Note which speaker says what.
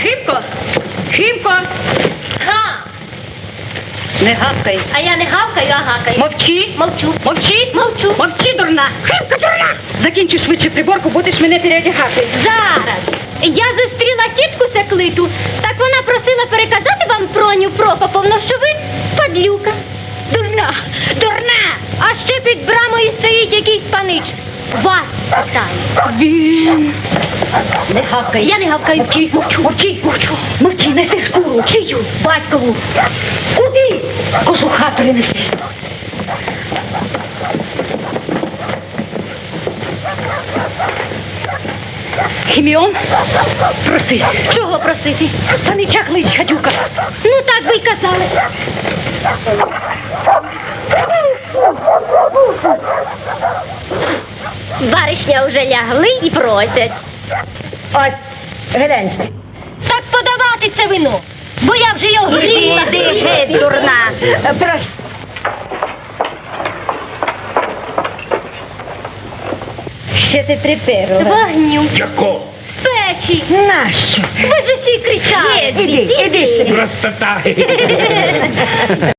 Speaker 1: Химко! Химко!
Speaker 2: Га!
Speaker 1: Не гавкай.
Speaker 2: А я не гавкаю, а гакаю.
Speaker 1: Мовчи.
Speaker 2: Мовчу.
Speaker 1: Мовчи.
Speaker 2: Мовчу.
Speaker 1: Мовчи, дурна. Химко, дурна. Закінчу швидше приборку, будеш мене переодягати.
Speaker 2: Зараз. Я зустріла тітку Секлиту, так вона просила переказати вам Проню Прокоповну, що ви падлюка. Дурна, дурна! А ще під брамою стоїть якийсь панич. Вас питає.
Speaker 1: Він. Не гавкай.
Speaker 2: Я не гавкаю.
Speaker 1: Мовчи, мовчу, мовчи, мовчу. Мовчи, неси шкуру.
Speaker 2: Чию? Батькову.
Speaker 1: Куди? Косу хату не неси. Хіміон, проси.
Speaker 2: Чого просити?
Speaker 1: Панича клич, гадюка.
Speaker 2: Ну так ви й казали. Баришня вже лягли і просять.
Speaker 1: Ось, гляньте.
Speaker 2: Так подавати це вино, бо я вже його гріла.
Speaker 1: Іди, геть, дурна. Проси. Ще ти приперла.
Speaker 2: Вогню.
Speaker 3: Яко?
Speaker 2: Печі.
Speaker 1: Нащо?
Speaker 2: Ви ж усі кричали.
Speaker 1: Іди, іди собі.
Speaker 3: Простота.